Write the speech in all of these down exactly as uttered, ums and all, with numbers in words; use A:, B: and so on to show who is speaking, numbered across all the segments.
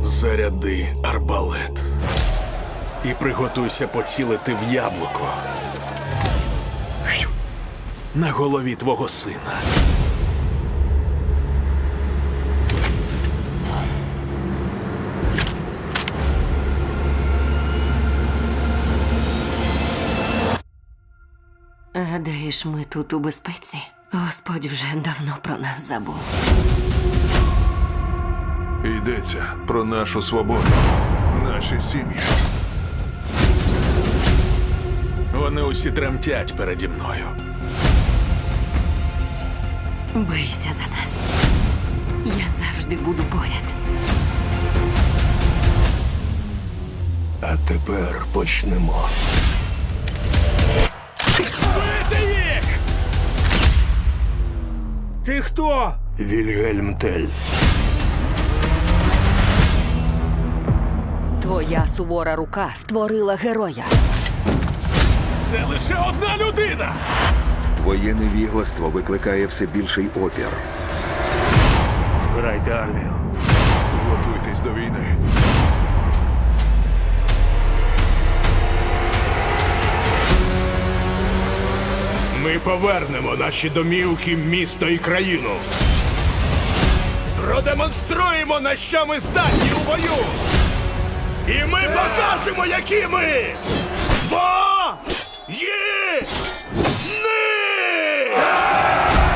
A: Заряди арбалет. І приготуйся поцілити в яблуко. На голові твого сина.
B: Гадаєш, ми тут у безпеці? Господь вже давно про нас забув.
C: Йдеться про нашу свободу, наші сім'ї.
A: Вони усі тремтять переді мною.
B: Бийся за нас. Я завжди буду поряд.
D: А тепер почнемо.
A: Бити їх!
E: Ти хто?
D: Вільгельм Тель.
B: Твоя сувора рука створила героя.
A: Це лише одна людина!
F: Твоє невігластво викликає все більший опір.
E: Збирайте армію.
C: Готуйтесь до війни.
E: Ми повернемо наші домівки, місто і країну. Продемонструємо, на що ми здатні у бою. І ми покажемо, які ми. Бо є ни!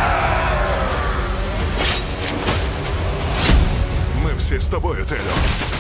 C: Ми всі з тобою, Телю.